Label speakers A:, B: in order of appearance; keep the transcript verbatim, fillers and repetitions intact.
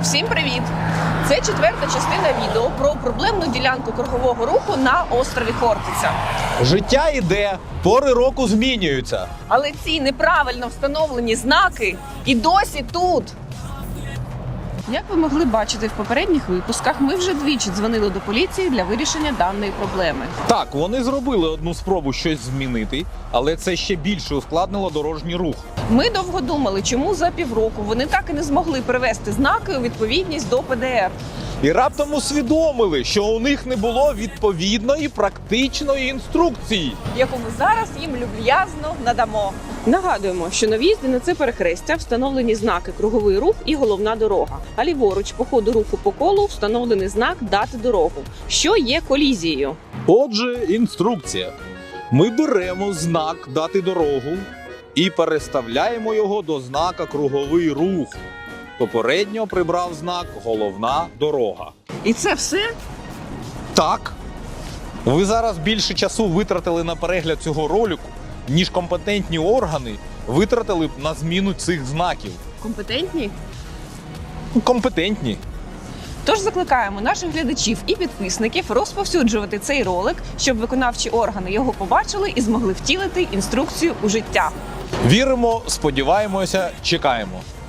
A: Всім привіт! Це четверта частина відео про проблемну ділянку кругового руху на острові Хортиця.
B: Життя іде, пори року змінюються.
A: Але ці неправильно встановлені знаки і досі тут. Як ви могли бачити в попередніх випусках, ми вже двічі дзвонили до поліції для вирішення даної проблеми.
B: Так, вони зробили одну спробу щось змінити, але це ще більше ускладнило дорожній рух.
A: Ми довго думали, чому за півроку вони так і не змогли привести знаки у відповідність до Пе Де Ер.
B: І раптом усвідомили, що у них не було відповідної практичної інструкції.
A: Яку ми зараз їм люб'язно надамо. Нагадуємо, що на в'їзді на це перехрестя встановлені знаки «Круговий рух» і «Головна дорога». А ліворуч по ходу руху по колу встановлений знак «Дати дорогу», що є колізією.
B: Отже, інструкція. Ми беремо знак «Дати дорогу» і переставляємо його до знака «Круговий рух». Попередньо прибрав знак «Головна дорога».
A: І це все?
B: Так. Ви зараз більше часу витратили на перегляд цього ролику, ніж компетентні органи витратили б на зміну цих знаків.
A: Компетентні?
B: Компетентні.
A: Тож закликаємо наших глядачів і підписників розповсюджувати цей ролик, щоб виконавчі органи його побачили і змогли втілити інструкцію у життя.
B: Віримо, сподіваємося, чекаємо.